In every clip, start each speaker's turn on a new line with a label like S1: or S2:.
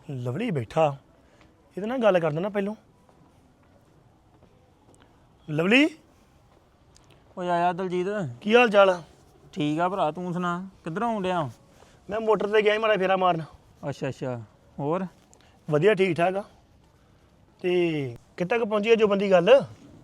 S1: Lovely ਬੈਠਾ ਇਹਦੇ ਨਾਲ ਗੱਲ ਕਰਦਾ ਨਾ ਪਹਿਲੋਂ। ਲਵਲੀ
S2: ਓਏ ਆਇਆ ਦਲਜੀਤ।
S1: ਕੀ ਹਾਲ ਚਾਲ ਆ?
S2: ਠੀਕ ਆ ਭਰਾ, ਤੂੰ ਸੁਣਾ ਕਿੱਧਰੋਂ ਆਉਣ ਡਿਆ?
S1: ਮੈਂ ਮੋਟਰ ਤੇ ਗਿਆ ਸੀ ਮਾੜਾ ਫੇਰਾ ਮਾਰਨ।
S2: ਅੱਛਾ ਅੱਛਾ, ਹੋਰ?
S1: ਵਧੀਆ ਠੀਕ ਠਾਕ ਆ। ਤੇ ਕਿੱਥੇ ਤੱਕ ਪਹੁੰਚੀ ਆ ਜੋ ਬੰਦੀ ਗੱਲ?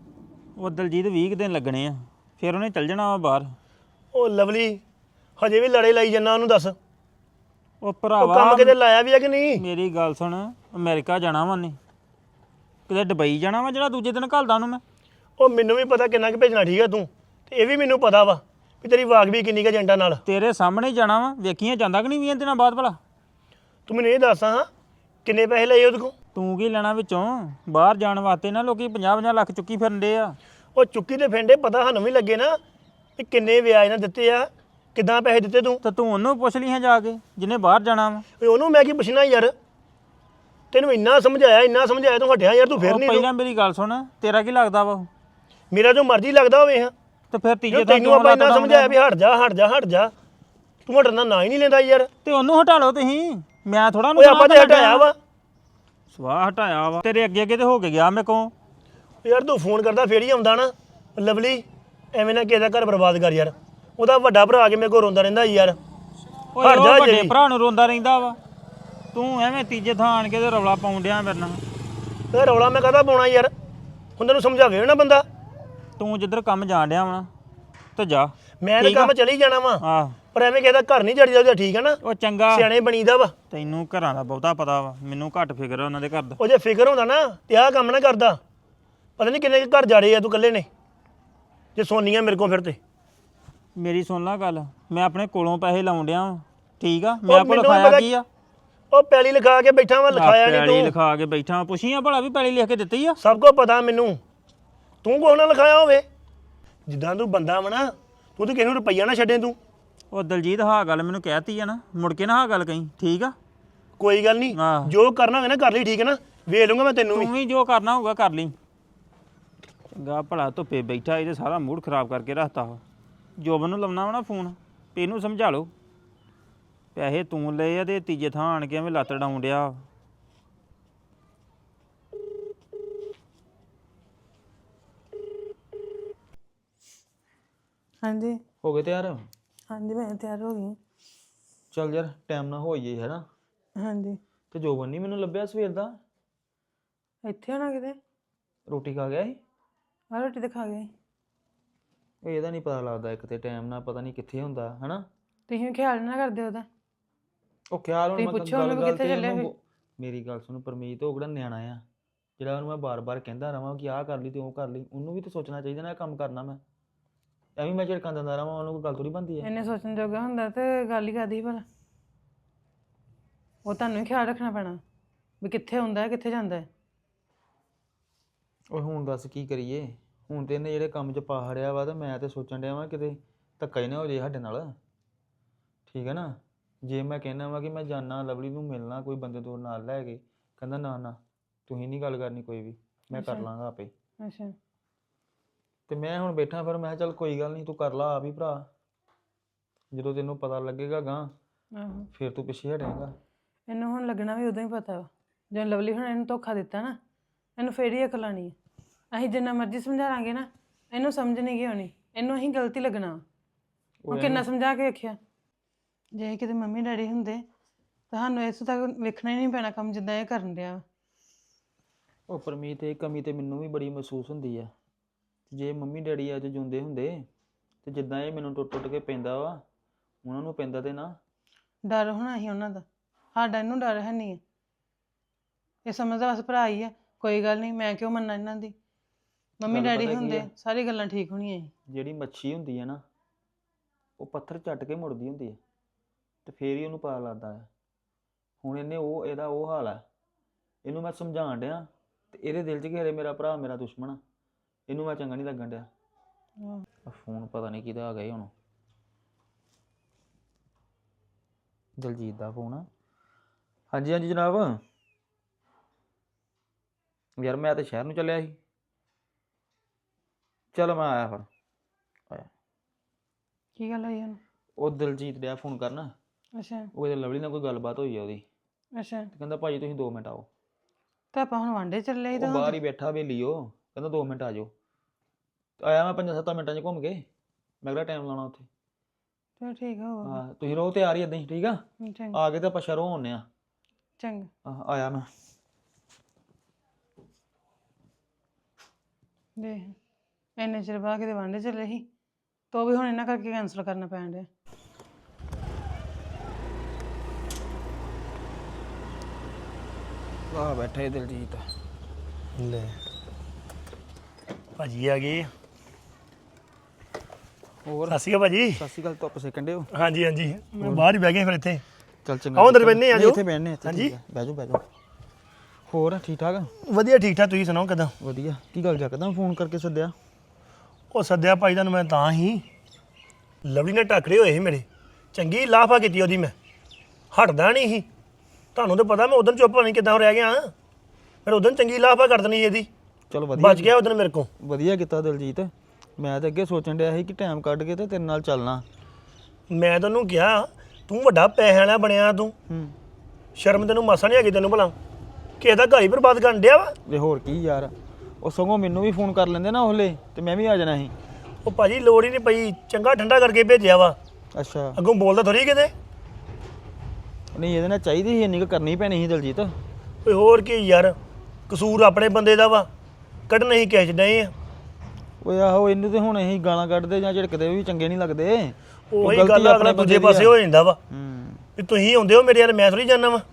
S2: ਉਹ ਦਲਜੀਤ 20 ਕੁ ਦਿਨ ਲੱਗਣੇ ਆ, ਫਿਰ ਉਹਨੇ ਚੱਲ ਜਾਣਾ ਵਾ ਬਾਹਰ।
S1: ਉਹ ਲਵਲੀ ਹਜੇ ਵੀ ਲੜੇ ਲਾਈ ਜੰਨਾ, ਉਹਨੂੰ ਦੱਸ ਉਹ
S2: ਉਹ ਭਰਾਵਾ
S1: ਕੰਮ ਕਿਤੇ ਲਾਇਆ ਵੀ ਆ ਕਿ ਨਹੀਂ?
S2: ਮੇਰੀ ਗੱਲ ਸੁਣ, ਅਮਰੀਕਾ ਜਾਣਾ ਵਾ ਉਹਨੇ, ਕਿਤੇ ਦੁਬਈ ਜਾਣਾ ਵਾ ਜਿਹੜਾ ਦੂਜੇ ਦਿਨ ਘੱਲਦਾ ਉਹਨੂੰ ਮੈਂ।
S1: ਉਹ ਮੈਨੂੰ ਵੀ ਪਤਾ ਕਿੰਨਾ ਕੁ ਭੇਜਣਾ, ਠੀਕ ਆ ਤੂੰ, ਤੇ ਇਹ ਵੀ ਮੈਨੂੰ ਪਤਾ ਵਾ ਵੀ ਤੇਰੀ ਵਾਗ ਵੀ ਕਿੰਨੀ ਕੁ ਏਜੰਟਾਂ ਨਾਲ।
S2: ਤੇਰੇ ਸਾਹਮਣੇ ਹੀ ਜਾਣਾ ਵਾ, ਵੇਖੀਆਂ ਜਾਂਦਾ ਕਿ ਨਹੀਂ 20 ਦਿਨਾਂ ਬਾਅਦ ਭਲਾ?
S1: ਤੂੰ ਮੈਨੂੰ ਇਹ ਦੱਸ ਹਾਂ ਕਿੰਨੇ ਪੈਸੇ ਲਏ ਉਹਦੇ ਕੋਲ?
S2: ਤੂੰ ਕੀ ਲੈਣਾ ਵਿੱਚੋਂ? ਬਾਹਰ ਜਾਣ ਵਾਸਤੇ ਨਾ ਲੋਕੀ 50-50 ਲੱਖ ਚੁੱਕੀ ਫਿਰਦੇ ਆ।
S1: ਉਹ ਚੁੱਕੀ ਤੇ ਫੇਂਡੇ ਪਤਾ ਸਾਨੂੰ ਵੀ ਲੱਗੇ ਨਾ ਵੀ ਕਿੰਨੇ ਵਿਆਜ ਨਾਲ ਦਿੱਤੇ ਆ, ਕਿੱਦਾਂ ਪੈਸੇ ਦਿੱਤੇ ਤੂੰ?
S2: ਤਾਂ ਤੂੰ ਉਹਨੂੰ ਪੁੱਛ ਲਈ ਹਾਂ ਜਾ ਕੇ ਜਿਹਨੇ ਬਾਹਰ ਜਾਣਾ ਵਾ।
S1: ਓਏ ਉਹਨੂੰ ਮੈਂ ਕੀ ਪੁੱਛਣਾ ਯਾਰ, ਤੈਨੂੰ ਇੰਨਾ ਸਮਝਾਇਆ ਤੂੰ ਹਟਿਆ ਯਾਰ, ਤੂੰ ਫਿਰ
S2: ਉਹ
S1: ਨਹੀਂ।
S2: ਪਹਿਲਾਂ ਮੇਰੀ ਗੱਲ ਸੁਣ, ਤੇਰਾ ਕੀ ਲੱਗਦਾ ਵਾ?
S1: ਮੇਰਾ ਜੋ ਮਰਜ਼ੀ ਲੱਗਦਾ ਹੋਵੇ ਹਾਂ,
S2: ਤੇ ਫਿਰ ਤੀਜੇ
S1: ਜੇ
S2: ਦਿਨ
S1: ਤੈਨੂੰ ਆਪਾਂ ਇੰਨਾ ਸਮਝਾਇਆ ਵੀ ਹਟ ਜਾ ਤੂੰ ਹਟਣ ਦਾ ਨਾਂ ਹੀ ਨਹੀਂ ਲੈਂਦਾ ਯਾਰ।
S2: ਤੇ ਉਹਨੂੰ ਹਟਾ ਲਓ ਤੁਸੀਂ, ਮੈਂ ਥੋੜਾ
S1: ਓਏ ਆਪਾਂ ਤੇ ਹਟਾਇਆ ਵਾ
S2: ਸਵਾਹ ਹਟਾਇਆ ਵਾ ਤੇਰੇ ਅੱਗੇ ਤੇ ਹੋ ਕੇ ਗਿਆ ਮੇਰੇ ਕੋਲ।
S1: ਯਾਰ। ਤੂੰ ਫੋਨ ਕਰਦਾ ਫੇਰ ਹੀ ਆਉਂਦਾ ਨਾ। ਲਵਲੀ ਐਵੇਂ ਨਾ ਕਿਸੇ ਦਾ ਘਰ ਬਰਬਾਦ ਕਰ ਯਾਰ, ਉਹਦਾ ਵੱਡਾ ਭਰਾ ਕੇ ਮੇਰੇ ਕੋਲ ਰੋਂਦਾ ਰਹਿੰਦਾ ਯਾਰ।
S2: ਓਏ ਉਹ ਵੱਡੇ ਭਰਾ ਨੂੰ ਰੋਂਦਾ ਰਹਿੰਦਾ ਵਾ, ਤੂੰ ਐਵੇਂ ਤੀਜੇ ਥਾਂ ਆਣ ਕੇ ਤੇ ਰੌਲਾ ਪਾਉਣ ਡਿਆ ਮੇਰੇ ਨਾਲ।
S1: ਤੇ ਰੌਲਾ ਮੈਂ ਕਾਹਦਾ ਪਾਉਣਾ ਯਾਰ, ਹੁਣ ਤੈਨੂੰ ਸਮਝਾਵੇ ਨਾ ਬੰਦਾ।
S2: ਤੂੰ ਜਿੱਧਰ ਕੰਮ ਜਾਣ ਡਿਆ ਵਾ ਤੇ ਜਾ।
S1: ਮੈਂ ਤਾਂ ਕੰਮ ਚਲੀ ਜਾਣਾ ਵਾ,
S2: ਆਹ
S1: ਪਰ ਐਵੇਂ ਕਿਸੇ ਦਾ ਘਰ ਨਹੀਂ ਜੜੀ ਜਾਂਦਾ, ਠੀਕ ਹੈ ਨਾ?
S2: ਉਹ ਚੰਗਾ
S1: ਸਿਆਣੇ ਬਣੀਦਾ ਵਾ।
S2: ਤੈਨੂੰ ਘਰਾਂ ਦਾ ਬਹੁਤਾ ਪਤਾ ਵਾ, ਮੈਨੂੰ ਘੱਟ ਫਿਕਰ ਆ ਉਹਨਾਂ ਦੇ ਘਰ ਦਾ।
S1: ਉਹ ਜੇ ਫਿਕਰ ਹੁੰਦਾ ਨਾ ਤੇ ਆਹ ਕੰਮ ਨਾ ਕਰਦਾ। ਪਤਾ ਨਹੀਂ ਕਿੰਨੇ ਘਰ ਜਾੜੇ ਆ ਤੂੰ ਇਕੱਲੇ ਨੇ, ਜੇ ਸੋਨੀਆਂ ਮੇਰੇ ਕੋਲ ਫਿਰ ਤੇ।
S2: ਮੇਰੀ ਸੁਣ ਲਾ ਗੱਲ, ਮੈਂ ਆਪਣੇ ਕੋਲੋਂ ਪੈਸੇ ਲਾਉਣ ਡਿਆ ਵਾਂ, ਠੀਕ ਆ? ਮੈਂ ਕੋਲ ਲਿਖਾਇਆ ਕੀ ਆ?
S1: ਉਹ ਪੈਲੀ ਲਿਖਾ ਕੇ ਬੈਠਾ ਵਾ, ਲਿਖਾਇਆ ਨਹੀਂ
S2: ਪੈਲੀ
S1: ਤੂੰ।
S2: ਲਿਖਾ ਕੇ ਬੈਠਾ, ਪੁੱਛੀਆਂ ਭਲਾ ਵੀ ਪੈਲੀ ਲਿਖ ਕੇ ਦਿੱਤੀ ਆ?
S1: ਸਭ ਕੁਝ ਪਤਾ ਮੈਨੂੰ, ਤੂੰ ਕੋਹ ਨਾ ਲਿਖਾਇਆ ਹੋਵੇ। ਜਿੱਦਾਂ ਤੂੰ ਬੰਦਾ ਵਾ ਨਾ, ਤੂੰ ਤੇ ਕਿਸੇ ਨੂੰ ਰੁਪਈਆ ਨਾ ਛੱਡੇ ਤੂੰ।
S2: ਉਹ ਦਲਜੀਤ ਹਾਂ ਗੱਲ ਮੈਨੂੰ ਕਹਿਤੀ ਆ ਨਾ, ਮੁੜ ਕੇ ਨਾ ਹਾਂ ਗੱਲ ਕਹੀਂ, ਠੀਕ ਆ?
S1: ਕੋਈ ਗੱਲ ਨਹੀਂ, ਜੋ ਕਰਨਾ ਹੋਵੇ ਨਾ ਕਰ ਲਈ, ਠੀਕ ਹੈ ਨਾ? ਵੇਖ ਲੂੰਗਾ ਮੈਂ ਤੈਨੂੰ ਵੀ।
S2: ਤੂੰ ਵੀ ਜੋ ਕਰਨਾ ਹੋਊਗਾ ਕਰ ਲਈ। ਚੰਗਾ ਭਲਾ ਧੁੱਪੇ ਬੈਠਾ, ਇਹਦੇ ਸਾਰਾ ਮੂਡ ਖਰਾਬ ਕਰਕੇ ਰੱਖਤਾ ਵਾ। ਜੋਬਨ ਨੂੰ ਲਾਉਣਾ ਵਾ ਨਾ ਫੋਨ, ਤੇ ਇਹਨੂੰ ਸਮਝਾ ਲਓ ਪੈਸੇ ਤੂੰ ਲਏ ਆ ਤੇ ਤੀਜੇ ਥਾਂ ਆਣ ਕੇ ਐਵੇਂ ਲੱਤ ਡਾਉਣ ਡਿਆ।
S3: ਹਾਂਜੀ
S2: ਹੋ ਗਏ ਤਿਆਰ?
S3: ਹਾਂਜੀ ਮੈਂ ਤਿਆਰ ਹੋ ਗਈ।
S2: ਚੱਲ ਯਾਰ ਟਾਈਮ ਨਾ ਹੋ ਜਾਈਏ, ਹੈ ਨਾ?
S3: ਹਾਂਜੀ
S2: ਤੇ ਜੋਬਨ ਨਹੀਂ ਮੈਨੂੰ ਲੱਭਿਆ ਸਵੇਰ ਦਾ।
S3: ਇੱਥੇ ਹੋਣਾ ਕਿਤੇ।
S2: ਰੋਟੀ ਖਾ ਗਿਆ ਸੀ?
S3: ਆ ਰੋਟੀ ਤਾਂ ਖਾ ਗਏ।
S2: ਇਹਦਾ ਨਹੀਂ ਪਤਾ ਲੱਗਦਾ, ਇੱਕ ਤੇ ਟਾਈਮ ਨਾਲ ਪਤਾ ਨਹੀਂ ਕਿੱਥੇ ਹੁੰਦਾ, ਹੈ ਨਾ?
S3: ਤੁਸੀਂ ਵੀ ਖਿਆਲ ਨਾ ਕਰਦੇ ਉਹਦਾ।
S2: ਉਹ ਖਿਆਲ ਹੁਣ ਮੈਂ
S3: ਪੁੱਛੋ
S2: ਗੱਲ
S3: ਉਹਨੂੰ
S2: ਗੱਲ
S3: ਕਿੱਥੇ
S2: ਤੇ
S3: ਚੱਲਿਆ
S2: ਉਹਨੂੰ ਮੇਰੀ ਗੱਲ ਸੁਣ ਪਰਮੀਤ, ਉਹ ਕਿਹੜਾ ਨਿਆਣਾ ਆ ਜਿਹੜਾ ਉਹਨੂੰ ਮੈਂ ਬਾਰ-ਬਾਰ ਕਹਿੰਦਾ ਰਵਾਂ ਕਿ ਆਹ ਕਰ ਲਈ ਤੇ ਉਹ ਕਰ ਲਈ। ਉਹਨੂੰ ਵੀ ਤਾਂ ਸੋਚਣਾ ਚਾਹੀਦਾ ਨਾ ਇਹ ਕੰਮ ਕਰਨਾ ਮੈਂ, ਐਵੇਂ ਮੈਂ ਝਿੜਕਾਂ ਦਿੰਦਾ ਰਵਾਂ, ਉਹਨੂੰ ਕੋਈ ਗੱਲ ਥੋੜੀ ਬਣਦੀ ਹੈ।
S3: ਇਹਨੇ ਸੋਚਣ ਜੋਗਾ ਹੁੰਦਾ ਤੇ ਗੱਲ ਹੀ ਕਰਦੀ ਭਲਾ। ਉਹ ਤੁਹਾਨੂੰ ਹੀ ਖਿਆਲ ਰੱਖਣਾ ਪੈਣਾ ਵੀ ਕਿੱਥੇ ਹੁੰਦਾ ਹੈ ਕਿੱਥੇ ਜਾਂਦਾ ਹੈ।
S2: ਉਹ ਹੁਣ ਦੱਸ ਕੀ ਕਰੀਏ, ਹੁਣ ਤੇ ਇਹਨੇ ਜਿਹੜੇ ਕੰਮ 'ਚ ਪਾ ਹੜਿਆ ਵਾ, ਤੇ ਮੈਂ ਤੇ ਸੋਚਣ ਡਿਆ ਵਾਂ ਕਿਤੇ ਧੱਕਾ ਹੀ ਨਾ ਹੋ ਜੇ ਸਾਡੇ ਨਾਲ, ਠੀਕ ਹੈ ਨਾ? ਜੇ ਮੈਂ ਕਹਿਣਾ ਵਾ ਕਿ ਮੈਂ ਜਾਣਾ ਲਵਲੀ ਨੂੰ ਮਿਲਣਾ ਕੋਈ ਬੰਦੇ ਤੋਂ ਨਾਲ ਲੈ ਕੇ, ਕਹਿੰਦਾ ਨਾ ਤੁਸੀਂ ਨਹੀਂ ਗੱਲ ਕਰਨੀ ਕੋਈ ਵੀ, ਮੈਂ ਕਰ ਲਾਂਗਾ ਆਪੇ।
S3: ਅੱਛਾ
S2: ਤੇ ਮੈਂ ਹੁਣ ਬੈਠਾ, ਫਿਰ ਮੈਂ ਚੱਲ ਕੋਈ ਗੱਲ ਨਹੀਂ ਤੂੰ ਕਰ ਲਾ ਆਪ ਹੀ ਭਰਾ, ਜਦੋਂ ਤੈਨੂੰ ਪਤਾ ਲੱਗੇਗਾ ਗਾਂ
S3: ਆਹੋ
S2: ਫਿਰ ਤੂੰ ਪਿੱਛੇ ਹਟੇਗਾ।
S3: ਇਹਨੂੰ ਹੁਣ ਲੱਗਣਾ ਵੀ ਉਦੋਂ ਹੀ ਪਤਾ ਵਾ ਜਦੋਂ ਲਵਲੀ ਹੁਣ ਇਹਨੂੰ ਧੋਖਾ ਦਿੱਤਾ ਨਾ, ਇਹਨੂੰ ਫੇਰ ਹੀ ਅਕਲ ਆਉਣੀ ਹੈ। ਅਸੀਂ ਜਿੰਨਾ ਮਰਜ਼ੀ ਸਮਝਾ ਲਾਂਗੇ ਨਾ, ਇਹਨੂੰ ਸਮਝ ਨਹੀਂ ਗਈ ਹੋਣੀ, ਇਹਨੂੰ ਅਸੀਂ ਗਲਤੀ ਲੱਗਣਾ। ਉਹ ਕਿੰਨਾ ਸਮਝਾ ਕੇ ਵੇਖਿਆ। ਜੇ ਕਿਤੇ ਮੰਮੀ ਡੈਡੀ ਹੁੰਦੇ ਤੁਹਾਨੂੰ ਇਸ ਤੱਕ ਵੇਖਣਾ ਹੀ ਨਹੀਂ ਪੈਣਾ ਕੰਮ ਜਿੱਦਾਂ ਇਹ ਕਰਨ ਡਿਆ।
S2: ਉਹ ਪਰਮੀਤ ਇਹ ਕਮੀ ਤੇ ਮੈਨੂੰ ਵੀ ਬੜੀ ਮਹਿਸੂਸ ਹੁੰਦੀ ਆ। ਜੇ ਮੰਮੀ ਡੈਡੀ ਅੱਜ ਜਿਉਂਦੇ ਹੁੰਦੇ ਤੇ ਜਿੱਦਾਂ ਇਹ ਮੈਨੂੰ ਟੁੱਟ ਕੇ ਪੈਂਦਾ ਵਾ, ਉਹਨਾਂ ਨੂੰ ਪੈਂਦਾ ਤੇ ਨਾ।
S3: ਡਰ ਹੋਣਾ ਸੀ ਉਹਨਾਂ ਦਾ, ਸਾਡਾ ਇਹਨੂੰ ਡਰ ਹੈ ਨਹੀਂ ਹੈ। ਇਹ ਸਮਝਦਾ ਬਸ ਭਰਾ ਹੀ ਆ, ਕੋਈ ਗੱਲ ਨਹੀਂ, ਮੈਂ ਕਿਉਂ ਮੰਨਾਂ ਇਹਨਾਂ ਦੀ। ਮੰਮੀ ਡੈਡੀ ਹੁੰਦੇ ਸਾਰੀ ਗੱਲਾਂ ਠੀਕ ਹੋਣੀਆਂ ਸੀ।
S2: ਜਿਹੜੀ ਮੱਛੀ ਹੁੰਦੀ ਹੈ ਨਾ, ਉਹ ਪੱਥਰ ਚੱਟ ਕੇ ਮੁੜਦੀ ਹੁੰਦੀ ਹੈ, ਤੇ ਫੇਰ ਹੀ ਉਹਨੂੰ ਪਤਾ ਲੱਗਦਾ ਹੈ। ਹੁਣ ਇਹਦਾ ਉਹ ਹਾਲ ਹੈ। ਇਹਨੂੰ ਮੈਂ ਸਮਝਾਉਣ ਡਿਆ ਤੇ ਇਹਦੇ ਦਿਲ 'ਚ ਘੇਰੇ ਮੇਰਾ ਭਰਾ ਮੇਰਾ ਦੁਸ਼ਮਣ ਆ, ਇਹਨੂੰ ਮੈਂ ਚੰਗਾ ਨਹੀਂ ਲੱਗਣ ਡਿਆ। ਫੋਨ ਪਤਾ ਨਹੀਂ ਕਿਹਦਾ ਆ ਗਿਆ ਹੁਣ, ਦਲਜੀਤ ਦਾ ਫੋਨ ਆ। ਹਾਂਜੀ ਹਾਂਜੀ ਜਨਾਬ। ਯਾਰ ਮੈਂ ਤਾਂ ਸ਼ਹਿਰ ਨੂੰ ਚੱਲਿਆ ਸੀ, ਚਲੋ ਮੈਂ ਆਇਆ ਫਿਰ। ਆਇਆ
S3: ਕੀ ਗੱਲ ਹੋਈ ਉਹਨੂੰ?
S2: ਉਹ ਦਲਜੀਤ ਡਿਆ ਫੋਨ ਕਰਨਾ।
S3: ਅੱਛਾ
S2: ਉਹ ਇਹਦੇ ਲਵਲੀ ਨਾਲ ਕੋਈ ਗੱਲਬਾਤ ਹੋਈ ਆ ਉਹਦੀ,
S3: ਅੱਛਾ
S2: ਤੇ ਕਹਿੰਦਾ ਭਾਜੀ ਤੁਸੀਂ 2 ਮਿੰਟ ਆਓ।
S3: ਤਾਂ ਆਪਾਂ ਹੁਣ ਵਾਂਡੇ ਚੱਲੇ ਸੀ
S2: ਉਹ
S3: ਤਾਂ
S2: ਬਾਹਰ ਹੀ ਬੈਠਾ ਵੇਲੀ ਉਹ ਕਹਿੰਦਾ 2 ਮਿੰਟ ਆ ਜਾਓ। ਆਇਆ ਮੈਂ 5-7 ਮਿੰਟਾਂ 'ਚ ਘੁੰਮ ਕੇ। ਮੈਂ ਕਿਹੜਾ ਟਾਈਮ ਲਾਉਣਾ ਉੱਥੇ।
S3: ਚਲੋ ਠੀਕ ਆ ਹੋਰ
S2: ਹਾਂ ਤੁਸੀਂ ਰਹੋ ਤਿਆਰ ਹੀ ਏਦਾਂ ਹੀ ਠੀਕ ਆ।
S3: ਚੰਗਾ
S2: ਆ ਕੇ ਤੇ ਆਪਾਂ ਸ਼ਹਿਰੋਂ ਆਉਂਦੇ ਆ।
S3: ਚੰਗਾ
S2: ਆਇਆ ਮੈਂ।
S3: ਦੇਖ ਇੰਨੇ ਚਿਰ ਬਾਅਦ ਕਿਤੇ ਵਾਂਡੇ ਚੱਲੇ ਸੀ ਤੋ ਵੀ ਹੁਣ ਇਹਨਾਂ ਕਰਕੇ ਕੈਂਸਲ ਕਰਨਾ ਪੈਣ ਡਿਆ।
S2: ਆ ਬੈਠਾ ਏ ਦਿਲਜੀਤ।
S1: ਲੈ ਭਾਜੀ ਆ ਗਏ।
S2: ਹੋਰ
S1: ਸਤਿ ਸ਼੍ਰੀ ਅਕਾਲ ਭਾਜੀ।
S2: ਸਤਿ ਸ਼੍ਰੀ ਅਕਾਲ। ਧੁੱਪ ਸੇਕਣ ਡਏ ਹੋ?
S1: ਹਾਂਜੀ ਹਾਂਜੀ ਮੈਂ ਬਾਹਰ ਹੀ ਬਹਿ ਗਿਆ ਫਿਰ ਇੱਥੇ।
S2: ਚੱਲ ਚੰਗਾ।
S1: ਆਓ ਅੰਦਰ ਬੈਠਨੇ ਆ
S2: ਨਹੀਂ,
S1: ਜਾਓ।
S2: ਇੱਥੇ ਬੈਠਨੇ ਇੱਥੇ।
S1: ਹਾਂਜੀ।
S2: ਬਹਿ ਜਾਓ ਬਹਿ ਜਾਓ। ਹੋਰ ਠੀਕ ਠਾਕ?
S1: ਵਧੀਆ ਠੀਕ ਠਾਕ ਤੁਸੀਂ ਸੁਣਾਓ ਕਿੱਦਾਂ?
S2: ਵਧੀਆ। ਕੀ ਗੱਲ ਜੱਕਦਮ ਫੋਨ ਕਰਕੇ ਸੱਦਿਆ?
S1: ਉਹ ਸੱਦਿਆ ਭਾਈ ਤੁਹਾਨੂੰ ਮੈਂ ਤਾਂ ਹੀ ਲਵਲੀ ਨੇ ਟੱਕਰੇ ਹੋਏ ਸੀ ਮੇਰੇ। ਚੰਗੀ ਲਾਫਾ ਕੀਤੀ ਉਹਦੀ ਮੈਂ। ਹਟਦਾ ਨਹੀਂ ਸੀ। ਤੁਹਾਨੂੰ ਤਾਂ ਪਤਾ ਮੈਂ ਉਦੋਂ ਚੁੱਪ ਨਹੀਂ ਕਿੱਦਾਂ ਰਹਿ ਗਿਆ। ਫਿਰ ਉਦੋਂ ਚੰਗੀ ਲਾਫਾ ਕਰ ਦੇਣੀ ਇਹਦੀ।
S2: ਚਲੋ ਵਧੀਆ।
S1: ਬਚ ਗਿਆ ਉਦੋਂ ਮੇਰੇ ਕੋਲ।
S2: ਵਧੀਆ ਕੀਤਾ ਦਿਲਜੀਤ। ਮੈਂ ਤਾਂ ਅੱਗੇ ਸੋਚਣ ਡਿਆ ਸੀ ਕਿ ਟਾਈਮ ਕੱਢ ਕੇ ਤੇ ਤੇਰੇ ਨਾਲ ਚੱਲਣਾ।
S1: ਮੈਂ ਤੈਨੂੰ ਕਿਹਾ ਤੂੰ ਵੱਡਾ ਪੈਸੇ ਵਾਲਾ ਬਣਿਆ ਤੂੰ। ਸ਼ਰਮ ਤੈਨੂੰ ਮਾਸਾ ਨਹੀਂ ਹੈਗੀ ਤੈਨੂੰ ਭਲਾ। ਕਿਸੇ ਦਾ ਘਰ ਹੀ ਬਰਬਾਦ ਕਰਨ ਡਿਆ ਵਾ।
S2: ਵੇ ਹੋਰ ਕੀ ਯਾਰ। ਉਹ ਸਗੋਂ ਮੈਨੂੰ ਵੀ ਫੋਨ ਕਰ ਲੈਂਦੇ ਨਾ ਉਹਲੇ ਤੇ ਮੈਂ ਵੀ ਆ ਜਾਣਾ ਸੀ।
S1: ਉਹ ਭਾਜੀ ਲੋੜ ਹੀ ਨਹੀਂ ਪਈ। ਚੰਗਾ ਠੰਡਾ ਕਰਕੇ ਭੇਜਿਆ ਵਾ।
S2: ਅੱਛਾ।
S1: ਅੱਗੋਂ ਬੋਲਦਾ ਥੋੜੀ ਕਿਤੇ।
S2: ਨਹੀਂ ਇਹਦੇ ਨਾਲ ਚਾਹੀਦੀ ਸੀ ਇੰਨੀ ਕੁ ਕਰਨੀ ਪੈਣੀ ਸੀ ਦਿਲਜੀਤ।
S1: ਓਏ ਹੋਰ ਕੀ ਯਾਰ ਕਸੂਰ ਆਪਣੇ ਬੰਦੇ ਦਾ ਵਾ। ਕੱਢਣਾ ਹੀ ਕੈਚ ਡਏ ਆ।
S2: ਓਏ ਆਹੋ ਇਹਨੂੰ ਤੇ ਹੁਣ ਅਸੀਂ ਗਾਲਾਂ ਕੱਢਦੇ ਜਾਂ ਝਿੜਕਦੇ ਵੀ ਚੰਗੇ ਨਹੀਂ ਲੱਗਦੇ।
S1: ਉਹੀ ਗੱਲ ਅਗਲਾ ਦੂਜੇ ਪਾਸੇ ਹੋ ਜਾਂਦਾ ਵਾ ਵੀ ਤੁਸੀਂ ਆਉਂਦੇ ਹੋ ਮੇਰੇ ਯਾਰ ਮੈਂ ਥੋੜੀ ਜਾਣਾ ਵਾ।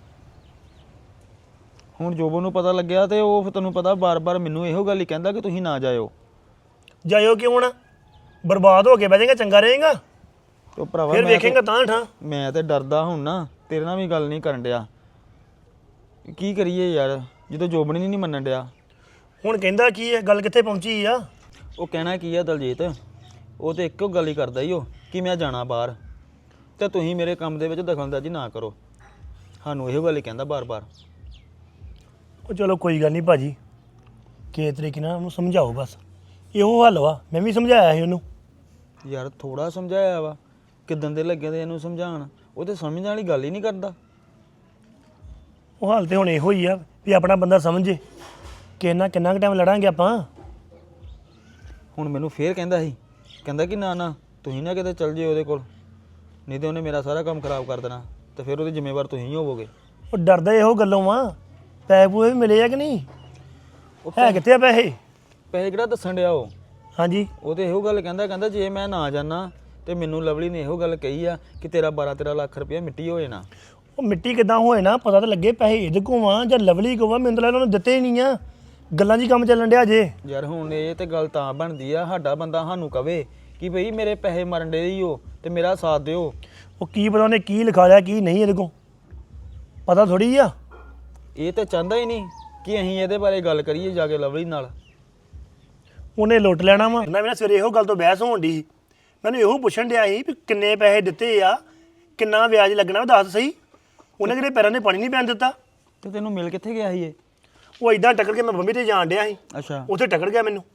S2: ਹੁਣ ਜੋਬਨ ਨੂੰ ਪਤਾ ਲੱਗਿਆ ਤੇ ਉਹ ਫਿਰ ਤੈਨੂੰ ਪਤਾ ਬਾਰ-ਬਾਰ ਮੈਨੂੰ ਇਹੋ ਗੱਲ ਹੀ ਕਹਿੰਦਾ ਕਿ ਤੁਸੀਂ ਨਾ ਜਾਇਓ।
S1: ਜਾਇਓ ਕਿਉਂ ਨਾ? ਬਰਬਾਦ ਹੋ ਕੇ ਬਹਿ ਜਾਏਗਾ ਚੰਗਾ ਰਹੇਗਾ।
S2: ਤੇ ਭਰਾਵਾ
S1: ਫਿਰ ਵੇਖੇਗਾ ਤਾਂ ਠਾਂ।
S2: ਮੈਂ ਤੇ ਡਰਦਾ ਹੁਣ ਨਾ ਤੇਰੇ ਨਾਲ ਵੀ ਗੱਲ ਨਹੀਂ ਕਰਨ ਡਿਆ। ਕੀ ਕਰੀਏ ਯਾਰ ਜਦੋਂ ਜੋਬਨ ਹੀ ਨਹੀਂ ਮੰਨਣ ਡਿਆ।
S1: ਹੁਣ ਕਹਿੰਦਾ ਕੀ ਹੈ ਗੱਲ ਕਿੱਥੇ ਪਹੁੰਚੀ ਆ?
S2: ਉਹ ਕਹਿਣਾ ਕੀ ਆ ਦਲਜੀਤ ਉਹ ਤੇ ਇੱਕੋ ਗੱਲ ਹੀ ਕਰਦਾ ਹੀ ਉਹ ਕਿ ਮੈਂ ਜਾਣਾ ਬਾਹਰ ਤੇ ਤੁਸੀਂ ਮੇਰੇ ਕੰਮ ਦੇ ਵਿੱਚ ਦਖਲਅੰਦਾਜ਼ੀ ਨਾ ਕਰੋ। ਸਾਨੂੰ ਇਹੋ ਗੱਲ ਹੀ ਕਹਿੰਦਾ ਬਾਰ-ਬਾਰ।
S1: ਉਹ ਚਲੋ ਕੋਈ ਗੱਲ ਨਹੀਂ ਭਾਜੀ ਕਿਸੇ ਤਰੀਕੇ ਨਾਲ ਉਹਨੂੰ ਸਮਝਾਓ ਬਸ। ਇਹੋ ਹੱਲ ਵਾ। ਮੈਂ ਵੀ ਸਮਝਾਇਆ ਸੀ ਉਹਨੂੰ।
S2: ਯਾਰ ਥੋੜਾ ਸਮਝਾਇਆ ਵਾ ਕਿਦਾਂ ਦੇ ਲੱਗੇ ਤੇ ਇਹਨੂੰ ਸਮਝਾਉਣ। ਉਹ ਤੇ ਸਮਝਣ ਵਾਲੀ ਗੱਲ ਹੀ ਨਹੀਂ ਕਰਦਾ।
S1: ਉਹ ਹਾਲ ਤੇ ਹੁਣ ਇਹੋ ਹੀ ਆ ਵੀ ਆਪਣਾ ਬੰਦਾ ਸਮਝੇ ਕਿ ਇਹਨਾਂ ਕਿੰਨਾ ਕੁ ਟਾਈਮ ਲੜਾਂਗੇ ਆਪਾਂ।
S2: ਹੁਣ ਮੈਨੂੰ ਫੇਰ ਕਹਿੰਦਾ ਸੀ ਕਹਿੰਦਾ ਕਿ ਨਾ ਨਾ ਤੁਸੀਂ ਨਾ ਕਿਤੇ ਚੱਲ ਜਿਓ ਉਹਦੇ ਕੋਲ ਨਹੀਂ ਤੇ ਉਹਨੇ ਮੇਰਾ ਸਾਰਾ ਕੰਮ ਖਰਾਬ ਕਰ ਦੇਣਾ ਤੇ ਫਿਰ ਉਹਦੇ ਜ਼ਿੰਮੇਵਾਰ ਤੁਸੀਂ ਹੋਵੋਗੇ।
S1: ਉਹ ਡਰਦਾ ਇਹੋ ਗੱਲੋਂ ਵਾ। ਪੈਸੇ ਪੂਏ ਵੀ ਮਿਲੇ ਆ ਕਿ ਨਹੀਂ? ਹੈ ਕਿੱਥੇ ਆ ਪੈਸੇ?
S2: ਪੈਸੇ ਕਿਹੜਾ ਦੱਸਣ ਡਿਆ ਉਹ?
S1: ਹਾਂਜੀ
S2: ਉਹ ਤੇ ਇਹੋ ਗੱਲ ਕਹਿੰਦਾ ਜੇ ਮੈਂ ਨਾ ਜਾਣਾ ਤੇ ਮੈਨੂੰ ਲਵਲੀ ਨੇ ਇਹੋ ਗੱਲ ਕਹੀ ਆ ਕਿ ਤੇਰਾ 12-13 ਲੱਖ ਰੁਪਇਆ ਮਿੱਟੀ ਹੋ ਜਾਣਾ।
S1: ਉਹ ਮਿੱਟੀ ਕਿੱਦਾਂ ਹੋਏ ਨਾ ਪਤਾ ਤਾਂ ਲੱਗੇ ਪੈਸੇ ਇਹਦੇ ਕੋਲ ਆ ਜਾਂ ਲਵਲੀ ਕੋਲ ਆ। ਮੈਨੂੰ ਤਾਂ ਲੱਗਦਾ ਉਹਨੂੰ ਦਿੱਤੇ ਹੀ ਨਹੀਂ ਆ। ਗੱਲਾਂ 'ਚ ਹੀ ਕੰਮ ਚੱਲਣ ਡਿਆ ਜੇ।
S2: ਯਾਰ ਹੁਣ ਇਹ ਤੇ ਗੱਲ ਤਾਂ ਬਣਦੀ ਆ ਸਾਡਾ ਬੰਦਾ ਸਾਨੂੰ ਕਵੇ ਕਿ ਭਈ ਮੇਰੇ ਪੈਸੇ ਮਰਨ ਡੇ ਹੀ ਹੋ ਤੇ ਮੇਰਾ ਸਾਥ ਦਿਓ।
S1: ਉਹ ਕੀ ਪਤਾ ਉਹਨੇ ਕੀ ਲਿਖਾ ਲਿਆ ਕੀ ਨਹੀਂ ਇਹਦੇ ਕੋਲ ਪਤਾ ਥੋੜੀ ਆ।
S2: ਇਹ ਤਾਂ ਚਾਹੁੰਦਾ ਹੀ ਨਹੀਂ ਕਿ ਅਸੀਂ ਇਹਦੇ ਬਾਰੇ ਗੱਲ ਕਰੀਏ ਜਾ ਕੇ ਲਵਲੀ ਨਾਲ।
S1: ਉਹਨੇ ਲੁੱਟ ਲੈਣਾ ਵਾ ਨਾ। ਸਵੇਰੇ ਇਹੋ ਗੱਲ ਤੋਂ ਬਹਿਸ ਹੋਣ ਦੀ ਮੈਨੂੰ ਇਹੋ ਪੁੱਛਣ ਡਿਆ ਸੀ ਵੀ ਕਿੰਨੇ ਪੈਸੇ ਦਿੱਤੇ ਆ ਕਿੰਨਾ ਵਿਆਜ ਲੱਗਣਾ ਦੱਸ ਸਹੀ। ਉਹਨੇ ਕਿਹੜੇ ਪੈਰਾਂ 'ਤੇ ਪਾਣੀ ਨਹੀਂ ਪੈਣ ਦਿੱਤਾ।
S2: ਤੇ ਤੈਨੂੰ ਮਿਲ ਕਿੱਥੇ ਗਿਆ ਸੀ ਇਹ?
S1: ਉਹ ਇਦਾਂ ਟੱਕਰ ਕੇ ਮੈਂ ਬੰਬੀ ਤੇ ਜਾਣ ਡਿਆ ਸੀ।
S2: ਅੱਛਾ
S1: ਉੱਥੇ ਟੱਕਰ ਗਿਆ ਮੈਨੂੰ।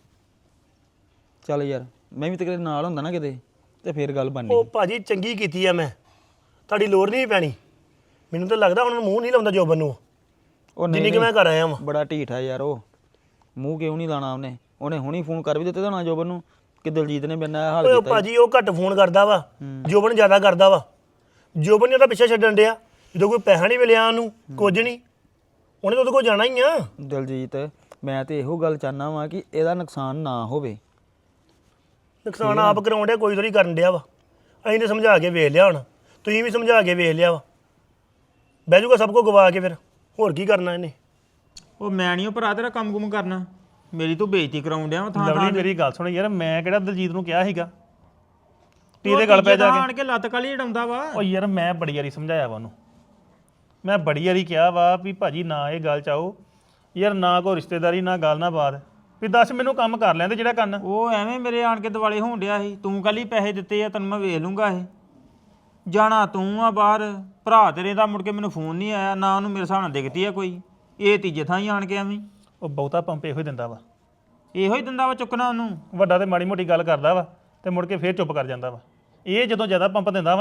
S2: ਚੱਲ ਯਾਰ ਮੈਂ ਵੀ ਤੇ ਕਿਤੇ ਨਾਲ ਹੁੰਦਾ ਨਾ ਕਿਤੇ ਤੇ ਫੇਰ ਗੱਲ ਬਣਨੀ।
S1: ਉਹ ਭਾਜੀ ਚੰਗੀ ਕੀਤੀ ਆ ਮੈਂ। ਤੁਹਾਡੀ ਲੋੜ ਨਹੀਂ ਪੈਣੀ। ਮੈਨੂੰ ਤਾਂ ਲੱਗਦਾ ਹੁਣ ਮੂੰਹ ਨਹੀਂ ਲਾਉਂਦਾ ਜੋਬਨ ਨੂੰ
S2: ਉਹ
S1: ਜਿੰਨੀ ਕਿ ਮੈਂ ਕਰ ਆਇਆ ਵਾਂ।
S2: ਬੜਾ ਢੀਠ ਆ ਯਾਰ ਉਹ। ਮੂੰਹ ਕਿਉਂ ਨਹੀਂ ਲਾਣਾ ਉਹਨੇ ਹੁਣੀ ਫੋਨ ਕਰ ਵੀ ਦਿੱਤੇ ਤਾਂ ਨਾ ਜੋਬਨ ਨੂੰ ਕਿ ਦਲਜੀਤ ਨੇ ਮੇਰੇ ਨਾਲ ਹਾਲ
S1: ਓਏ
S2: ਕੀਤਾ।
S1: ਭਾਜੀ ਉਹ ਘੱਟ ਫੋਨ ਕਰਦਾ ਵਾ। ਜੋਬਨ ਜ਼ਿਆਦਾ ਕਰਦਾ ਵਾ। ਜੋਬਨ ਨੇ ਉਹਦਾ ਪਿੱਛੇ ਛੱਡਣ ਡਿਆ ਜਦੋਂ ਕੋਈ ਪੈਸਾ ਨਹੀਂ ਮਿਲਿਆ ਉਹਨੂੰ ਕੁਝ ਨਹੀਂ ਉਹਨੇ ਤਾਂ ਉਹਦੇ ਕੋਲ ਜਾਣਾ ਹੀ ਆ।
S2: ਦਲਜੀਤ ਮੈਂ ਤੇ ਇਹੋ ਗੱਲ ਚਾਹਨਾ ਵਾਂ ਕਿ ਇਹਦਾ ਨੁਕਸਾਨ ਨਾ ਹੋਵੇ।
S1: ਨੁਕਸਾਨ ਆਪ ਕਰਾਉਣ ਡਿਆ ਕੋਈ ਥੋੜੀ ਕਰਨ ਡਿਆ ਵਾ। ਅਸੀਂ ਤਾਂ ਸਮਝਾ ਕੇ ਵੇਖ ਲਿਆ ਹੁਣ। ਤੁਸੀਂ ਵੀ ਸਮਝਾ ਕੇ ਵੇਖ ਲਿਆ ਵਾ। ਬਹਿ ਜੂਗਾ ਸਭ ਕੁਝ ਗਵਾ ਕੇ ਫਿਰ ਹੋਰ ਕੀ ਕਰਨਾ ਇਹਨੇ।
S4: ਉਹ ਮੈਂ ਨਹੀਂ ਉਹ ਭਰਾ ਤੇਰਾ ਕੰਮ ਕੁਮ ਕਰਨਾ। ਮੇਰੀ ਤੂੰ ਬੇਇੱਜ਼ਤੀ ਕਰਾਉਣ ਡਿਆ ਵਾ ਥਾਂ
S5: ਲਵਲੀ
S4: ਥਾਂ
S5: ਮੇਰੀ ਗੱਲ ਸੁਣ ਯਾਰ ਮੈਂ ਕਿਹੜਾ ਦਲਜੀਤ ਨੂੰ ਕਿਹਾ ਸੀਗਾ ਤੀ ਦੇ ਗੱਲ ਪੈ ਜਾ
S4: ਆਣ
S5: ਕੇ।
S4: ਕੇ ਲੱਤ ਕਾਲੀ ਢਾਉਂਦਾ ਵਾ।
S5: ਉਹ ਯਾਰ ਮੈਂ ਬੜੀ ਵਾਰੀ ਸਮਝਾਇਆ ਵਾ ਉਹਨੂੰ। ਮੈਂ ਬੜੀ ਵਾਰੀ ਕਿਹਾ ਵਾ ਵੀ ਭਾਜੀ ਨਾ ਇਹ ਗੱਲ ਚਾਹੋ ਯਾਰ ਨਾ ਕੋਈ ਰਿਸ਼ਤੇਦਾਰੀ ਨਾ ਗੱਲ ਨਾ ਬਾਤ ਵੀ ਦੱਸ ਮੈਨੂੰ ਕੰਮ ਕਰ ਲੈਂਦੇ ਜਿਹੜਾ ਕਰਨਾ।
S4: ਉਹ ਐਵੇਂ ਮੇਰੇ ਆਣ ਕੇ ਦਿਵਾਲੇ ਹੋਣ ਡਿਆ ਸੀ ਤੂੰ ਕੱਲ ਹੀ ਪੈਸੇ ਦਿੱਤੇ ਆ ਤੈਨੂੰ ਮੈਂ ਵੇਖ ਲੂੰਗਾ ਇਹ ਜਾਣਾ ਤੂੰ ਆ ਬਾਹਰ। ਭਰਾ ਤੇਰੇ ਦਾ ਮੁੜ ਕੇ ਮੈਨੂੰ ਫੋਨ ਨਹੀਂ ਆਇਆ ਨਾ ਉਹਨੂੰ ਮੇਰੇ ਹਿਸਾਬ ਨਾਲ ਦਿਖਦੀ ਆ ਕੋਈ। ਇਹ ਤੀਜੇ ਥਾਂ ਹੀ ਆਣ ਕੇ ਐਵੇਂ
S5: ਉਹ ਬਹੁਤਾ ਪੰਪ ਇਹੋ ਹੀ ਦਿੰਦਾ ਵਾ।
S4: ਇਹੋ ਹੀ ਦਿੰਦਾ ਵਾ ਚੁੱਕਣਾ ਉਹਨੂੰ।
S5: ਵੱਡਾ ਤੇ ਮਾੜੀ ਮੋਟੀ ਗੱਲ ਕਰਦਾ ਵਾ ਤੇ ਮੁੜ ਕੇ ਫੇਰ ਚੁੱਪ ਕਰ ਜਾਂਦਾ ਵਾ। ਇਹ ਜਦੋਂ ਜ਼ਿਆਦਾ ਪੰਪ ਦਿੰਦਾ ਵਾ ਨਾ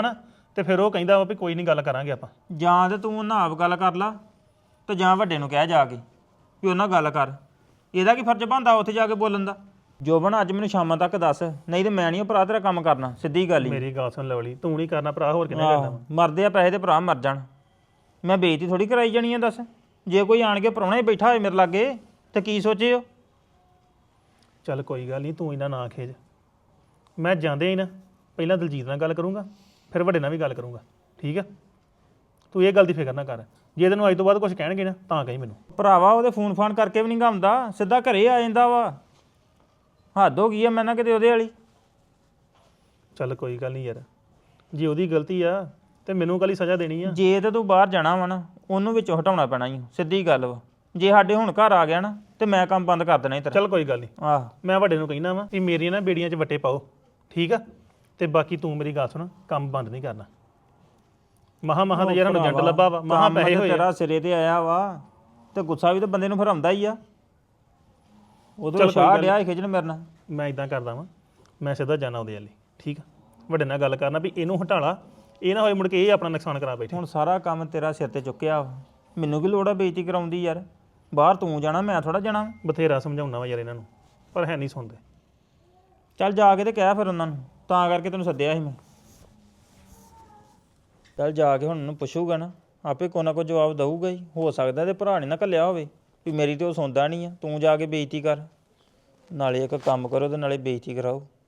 S5: ਤੇ ਫਿਰ ਉਹ ਕਹਿੰਦਾ ਵਾ ਵੀ ਕੋਈ ਨਹੀਂ ਗੱਲ ਕਰਾਂਗੇ ਆਪਾਂ।
S4: ਜਾਂ ਤੇ ਤੂੰ ਉਹਨਾਂ ਆਪ ਗੱਲ ਕਰ ਲਾ ਤੇ ਜਾਂ ਵੱਡੇ ਨੂੰ ਕਹਿ ਜਾ ਕੇ ਵੀ ਉਹਨਾਂ ਗੱਲ ਕਰ। ਇਹਦਾ ਕੀ ਫਰਜ਼ ਬਣਦਾ ਉੱਥੇ ਜਾ ਕੇ ਬੋਲਣ ਦਾ? ਜੋਬਨ ਅੱਜ ਮੈਨੂੰ ਸ਼ਾਮਾਂ ਤੱਕ ਦੱਸ, ਨਹੀਂ ਤੇ ਮੈਂ ਨਹੀਂ ਭਰਾ ਤੇਰਾ ਕੰਮ ਕਰਨਾ, ਸਿੱਧੀ ਗੱਲ ਹੀ।
S5: ਮੇਰੀ ਗੱਲ ਸੁਣ ਲਵਲੀ, ਤੂੰ ਨਹੀਂ ਕਰਨਾ ਭਰਾ, ਹੋਰ ਕਿਹਨੇ ਕਰਨਾ ਵਾ?
S4: ਮਰਦੇ ਆ ਪੈਸੇ ਤੇ ਭਰਾ ਮਰ ਜਾਣ, ਮੈਂ ਬੇਇੱਜ਼ਤੀ ਥੋੜੀ ਕਰਾਈ ਜਾਣੀ ਆ। ਦੱਸ ਜੇ ਕੋਈ ਆਣ ਕੇ ਪ੍ਰਾਹੁਣਾ ਹੀ ਬੈਠਾ ਹੋਏ ਮੇਰੇ ਲਾਗੇ ਤੇ ਕੀ ਸੋਚੇ ਉਹ?
S5: ਚੱਲ ਕੋਈ ਗੱਲ ਨਹੀਂ, ਤੂੰ ਇਹਨਾਂ ਨਾ ਖੇਜ। ਮੈਂ ਜਾਂਦੇ ਹੀ ਨਾ ਪਹਿਲਾਂ ਦਲਜੀਤ ਨਾਲ ਗੱਲ ਕਰੂੰਗਾ, ਫਿਰ ਵੱਡੇ ਨਾਲ ਵੀ ਗੱਲ ਕਰੂੰਗਾ, ਠੀਕ ਆ? ਤੂੰ ਇਹ ਗੱਲ ਦੀ ਫਿਕਰ ਨਾ ਕਰ। ਜੇ ਤੈਨੂੰ ਅੱਜ ਤੋਂ ਬਾਅਦ ਕੁਝ ਕਹਿਣਗੇ ਨਾ ਤਾਂ ਕਹੀਂ ਮੈਨੂੰ।
S4: ਭਰਾਵਾ ਉਹਦੇ ਫੋਨ ਫਾਨ ਕਰਕੇ ਵੀ ਨਹੀਂ ਗਾਉਂਦਾ, ਸਿੱਧਾ ਘਰੇ ਆ ਜਾਂਦਾ ਵਾ। ਹੱਦ ਹੋ ਗਈ ਆ ਮੈਂ ਨਾ ਕਿਤੇ ਉਹਦੇ ਵਾਲੀ।
S5: ਚੱਲ ਕੋਈ ਗੱਲ ਨਹੀਂ ਯਾਰ, ਜੇ ਉਹਦੀ ਗਲਤੀ ਆ ਤੇ ਮੈਨੂੰ ਕਾਹਲੀ ਸਜ਼ਾ ਦੇਣੀ ਆ?
S4: ਜੇ ਤੇ ਤੂੰ ਬਾਹਰ ਜਾਣਾ ਵਾ ਨਾ ਉਹਨੂੰ ਵਿੱਚੋਂ ਹਟਾਉਣਾ ਪੈਣਾ ਹੀ, ਸਿੱਧੀ ਗੱਲ ਵਾ। ਜੇ ਸਾਡੇ ਹੁਣ ਘਰ ਆ ਗਿਆ ਨਾ ਤੇ ਮੈਂ ਕੰਮ ਬੰਦ ਕਰ ਦੇਣਾ ਹੀ ਤੇਰਾ।
S5: ਚੱਲ ਕੋਈ ਗੱਲ ਨਹੀਂ,
S4: ਆਹ
S5: ਮੈਂ ਵੱਡੇ ਨੂੰ ਕਹਿਣਾ ਵਾ ਵੀ ਮੇਰੀਆਂ ਨਾ ਬੇੜੀਆਂ 'ਚ ਵੱਟੇ ਪਾਓ, ਠੀਕ ਆ? ਤੇ ਬਾਕੀ ਤੂੰ ਮੇਰੀ ਗੱਲ ਸੁਣ, ਕੰਮ ਬੰਦ ਨਹੀਂ ਕਰਨਾ। ਮਹਾ ਤੇ ਯਾਰ ਸਾਨੂੰ ਜੰਟ ਲੱਭਾ ਵਾ, ਮਹਾ
S4: ਕੰਮ
S5: ਪੈਸੇ
S4: ਤੇ
S5: ਹੋਏ ਆ।
S4: ਤੇਰਾ ਸਿਰੇ ਤੇ ਆਇਆ ਵਾ ਤੇ ਗੁੱਸਾ ਵੀ ਤਾਂ ਬੰਦੇ ਨੂੰ ਫਿਰ ਆਉਂਦਾ ਹੀ ਆ। ਉਦੋਂ
S5: ਚੱਲ ਕੋਈ
S4: ਸ਼ਾਹ
S5: ਗੱਲ
S4: ਡਿਆ ਸੀ ਖਿਜਣ ਮੇਰੇ ਨਾਲ।
S5: ਮੈਂ ਇਦਾਂ ਕਰਦਾ ਵਾਂ, ਮੈਂ ਸਿੱਧਾ ਜਾਣਾ ਉਹਦੇ ਵਾਲੀ, ਠੀਕ ਆ? ਵੱਡੇ ਨਾਲ ਗੱਲ ਕਰਨਾ ਵੀ ਇਹਨੂੰ ਹਟਾਲਾ, ਇਹ ਨਾ ਹੋਏ ਮੁੜ ਕੇ ਇਹ ਆਪਣਾ ਨੁਕਸਾਨ ਕਰਾ ਬੈਠੇ।
S4: ਹੁਣ ਸਾਰਾ ਕੰਮ ਤੇਰਾ ਸਿਰ ਤੇ ਚੁੱਕਿਆ ਵਾ, ਮੈਨੂੰ ਕੀ ਲੋੜ ਆ ਬੇਇੱਜ਼ਤੀ ਕਰਾਉਂਦੀ ਯਾਰ? ਬਾਹਰ ਤੂੰ ਜਾਣਾ, ਮੈਂ ਥੋੜਾ ਜਾਣਾ।
S5: ਬਥੇਰਾ ਸਮਝਾਉਣਾ ਵਾ ਯਾਰ ਇਹਨਾਂ ਨੂੰ, ਪਰ ਹੈ ਨਹੀਂ ਸੁਣਦੇ।
S4: ਚੱਲ ਜਾ ਕੇ ਤੇ ਕਹਿ ਫਿਰ ਉਹਨਾਂ ਨੂੰ, ਤਾਂ ਕਰਕੇ ਤੈਨੂੰ ਸੱਦਿਆ ਸੀ ਮੈਂ। ਚੱਲ ਜਾ ਕੇ ਹੁਣ ਉਹਨੂੰ ਪੁੱਛੂਗਾ ਨਾ, ਆਪੇ ਕੋਈ ਨਾ ਕੋਈ ਜਵਾਬ ਦਊਗਾ ਹੀ। ਹੋ ਸਕਦਾ ਤੇ ਭਰਾ ਨੇ ਨਾ ਘੱਲਿਆ ਹੋਵੇ ਵੀ ਮੇਰੀ ਤੇ ਉਹ ਸੁਣਦਾ ਨਹੀਂ ਆ, ਤੂੰ ਜਾ ਕੇ ਬੇਇੱਜ਼ਤੀ ਕਰ। ਨਾਲੇ ਇੱਕ ਕੰਮ ਕਰੋ ਤੇ ਨਾਲੇ ਬੇਇੱਜ਼ਤੀ ਕਰਾਓ।